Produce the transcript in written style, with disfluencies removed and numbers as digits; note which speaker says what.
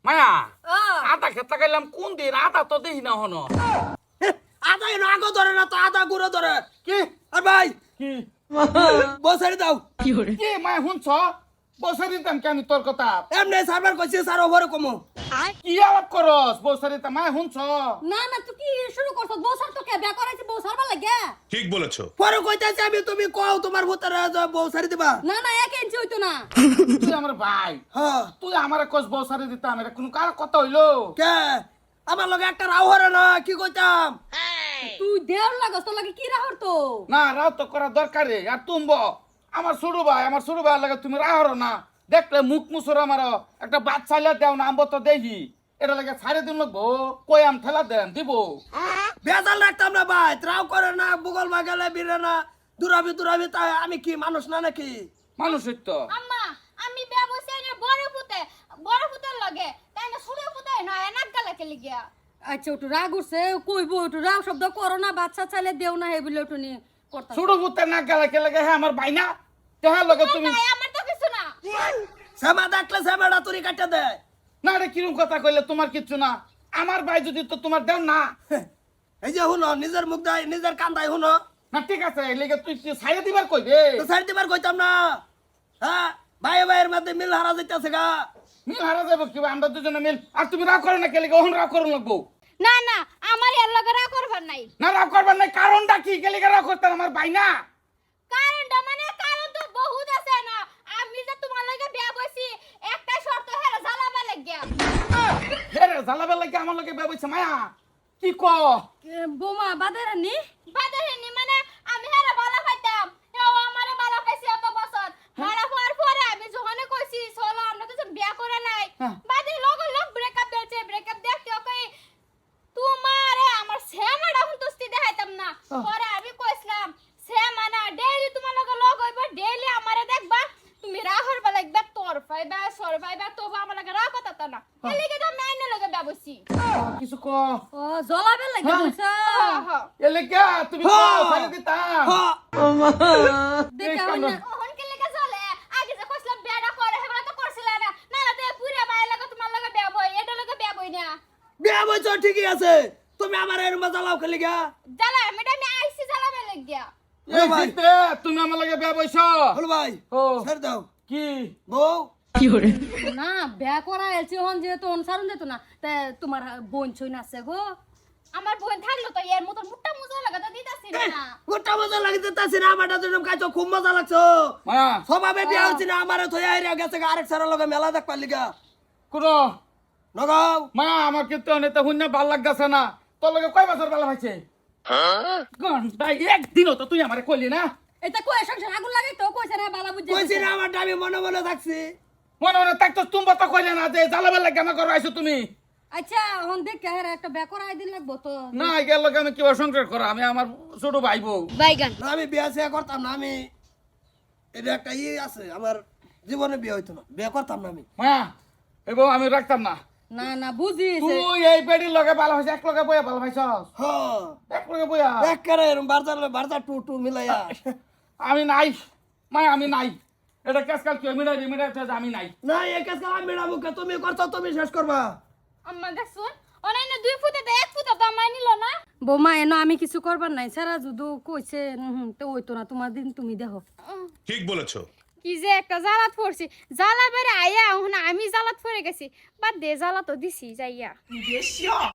Speaker 1: মায়া আটা খেতে গেলাম কোন দিন আটা তো দেখি না হনো
Speaker 2: আদা এনো আগো ধরে না তো আদা গুঁড়ো ধরে
Speaker 1: কি
Speaker 2: আর ভাই
Speaker 1: কি
Speaker 2: বসারি দাও
Speaker 1: কি মায়া শুনছ বছরি দাম কেন তোর কথা
Speaker 2: এমনি সার্ভার কইছে স্যার ওভারে কমো
Speaker 1: কি আলাপ করস বছরি দাম মায়া শুনছ
Speaker 3: না না তুই কি শুরু করছস বউসার তো কে বিয়া করাইছিস বউসার ভালো লাগে
Speaker 4: ঠিক বলেছো।
Speaker 2: পরে কইতাছি আমি তুমি কও তোমার ভূতারে বসারি দিবা
Speaker 3: না না এক ইঞ্চি হইতো না
Speaker 1: তুই আমার ভাই
Speaker 2: হ্যাঁ
Speaker 1: তুই আমার কস বছরি দিতাম এটা কোন কার কথা হইলো
Speaker 2: কে আমার লগে একটা রাও হরে না কি কইতাম
Speaker 3: তুই দেওর লাগস তোর লাগে কি রাহর তো
Speaker 1: না রাও তো করা দরকারে আর তুমব আমার ছোট ভাই লাগে তুমি রাহর না দেখলে মুখ মুসর আমার একটা বাচ্চাইলা দেও না আম্ব তো দেখি এটা লাগে সাড়ে দিন লাগবো কয়াম ঠেলা দেন দিব
Speaker 2: বেজাল রাখতাম না ভাই রাও করে না বুগল বাগালে বিরে না দুরাবি তাই আমি কি মানুষ না নাকি
Speaker 1: মানুষের তো
Speaker 5: আম্মা আমি বিয়া বসে না বড় পুতের লগে তাই না ছোট পুতে না এনাক গালা কেলি গিয়া
Speaker 3: আচ্ছা ওটু রাগ উঠছে কইবো ওটু রাগ শব্দ করো না বাচ্চা চাইলে দেও না হে বলে ওটু নিয়ে করতা
Speaker 1: ছোট পুতে না গেলে কে লাগে হ্যাঁ আমার ভাই না তেহার লগে তুমি
Speaker 5: ভাই আমার তো কিছু না
Speaker 2: সেমা দেখলে সেমাটা তুরি কাটে দে
Speaker 1: না রে কিরম কথা কইলে তোমার কিচ্ছু না আমার ভাই যদি তো তোমার দেও না
Speaker 2: এই যে হুনো নিজের মুখ দাই নিজের কান্দাই হুনো
Speaker 1: না ঠিক আছে এই লেগে তুই সাইডে দিবার কইবে
Speaker 2: তো সাইড দিবার কইতাম না হ্যাঁ ভাইয়ের মধ্যে মিল হারা যাইতাছে গা
Speaker 1: মিল হারা যাবো কি আমরা দুজনে মিল আর তুমি রাগ করো না কে লেগে ওহন রাগ করো লাগবো
Speaker 5: না না আমার এর লগে রাগ করবার নাই
Speaker 1: না রাগ করবার নাই কারণটা কি কে লেগে রাগ করতে আমার ভাই না
Speaker 5: কারণটা মানে কারণ তো বহুত আছে না আমি যে তোমার লগে বিয়া বসি একটা শর্ত হেরা জ্বালাবা লাগিয়া
Speaker 1: হেরে জ্বালাবে লাগে আমার লগে ব্যবসা মায়া কি ক
Speaker 3: বোমা বাদেরানি
Speaker 5: বাদাহিনী মানে আমি হেরা বালা পাইতাম এও আমারে বালা পাইছি এত বছর বালা হওয়ার পরে আমি যখন কইছি চলো আমরা তো বিয়া করে নাই
Speaker 1: হ্যাঁ।
Speaker 5: বাদে লোক ব্রেকআপ দিয়েছে ব্রেকআপ দেখতে ওকে তোমারে আমার সেমাটা হুনতুস্তি দেখাইতাম না পরে আমি কইছিলাম সেমানা ডেইলি তোমার লগে লগ হইব ডেইলি আমারে দেখবা তুমি রাহর বা লাগবে তোর পাইবা সর পাইবা তবু আমার লগে রাহ কথা তা না এলিগে তো মাইনে লগে ব্যবসি
Speaker 1: কিছু ক
Speaker 3: ও জলাবে লাগে বলছা
Speaker 1: এ লেগে তুমি ক সাইডে দিতাম
Speaker 3: দেখা হয় না
Speaker 5: ওহন কে লেগে চলে আগে যে কইছিলাম বিয়াটা করে হেবা তো করছিল না না না তো পুরা মায়ের লগে তোমার লগে বিয়া বই এটা লগে বিয়া বই না
Speaker 2: বিয়া বইছ ঠিকই আছে তুমি আমার এর মজা লাও খেলি গা
Speaker 5: জ্বালা আমি আইসি জ্বালাবে লাগিয়া
Speaker 1: এই জিতে তুমি আমার লগে বিয়া বইছ
Speaker 2: বল ভাই
Speaker 1: ও
Speaker 2: ছেড়ে দাও
Speaker 1: কি
Speaker 2: বউ
Speaker 3: না বিয়া করা এলছি হন যেহেতু অনুসারণ দিত না তে তোমার বোন ছই নাছে গো
Speaker 5: আমার বোন থাকলো তো এর মতো মুট্টা মুজা লাগা তো দিতাছি না
Speaker 2: গোটা মজা লাগিতে তাছি না আমারটা তুমি খাইছো খুব মজা লাগছো
Speaker 1: মায়া
Speaker 2: সবাবে বিয়া হচ্ছে না আমারে থই আইরা গেছে আরেক সারা লগে মেলা দেখ পারলি গা
Speaker 1: কোন
Speaker 2: নগাও
Speaker 1: মায়া আমার কিন্তু অনেক হুন্না ভাল লাগতাছে না তোর লগে কয় বছর ভালো হইছে ঘন্টা একদিনও তো তুই আমারে কইলি না
Speaker 3: এটা কই সংসার আগুন লাগে তো কইছে না বালা বুঝে
Speaker 2: কইছি না আমারটা আমি মনে মনে থাকছি
Speaker 1: মনে মনে থাকতো তুমি তো কইলে না যে জ্বালাবার লাগে আমার ঘরে আইছো তুমি
Speaker 3: আচ্ছা হন দেখ কে একটা বিয়া করা দিন লাগবো তো
Speaker 1: না গেল লগে আমি কিবা সংসার করা আমি আমার ছোট ভাই বউ
Speaker 5: বাইগান
Speaker 2: না আমি বিয়া সিয়া করতাম না আমি এটা একটা আছে আমার জীবনে বিয়ে হইতো না বিয়ে করতাম না আমি
Speaker 1: মায়া এই বউ আমি রাখতাম না
Speaker 3: না না বুঝি
Speaker 1: তুই এই বেডির লগে ভালো হইছে এক লগে বইয়া ভালো হইছস
Speaker 2: হ্যাঁ
Speaker 1: এক লগে বইয়া
Speaker 2: এক করে এরম বারজার টু টু মিলাইয়া
Speaker 1: আমি নাই মায়া আমি নাই এটা কেসকাল কি মিডাই আমি নাই
Speaker 2: না এই কাজ আমি মেডামুকে তুমি করছো তুমি শেষ করবা
Speaker 5: আম্মা দেখছুন অনাইনে 2 ফুটে তো 1 ফুটে তো আমায় নিল না
Speaker 3: বোমা এনো আমি কিছু করবার নাই সারা যদু কইছে তো ওইতো না তোমার দিন তুমি দেখো
Speaker 4: ঠিক বলেছো।
Speaker 5: কি যে একটা জ্বালাত পড়ছি জ্বালা বেড়ে আইয়া এখন আমি জ্বালাত পড়ে গেছি বাদ দে জ্বালা তো দিছি যাইয়া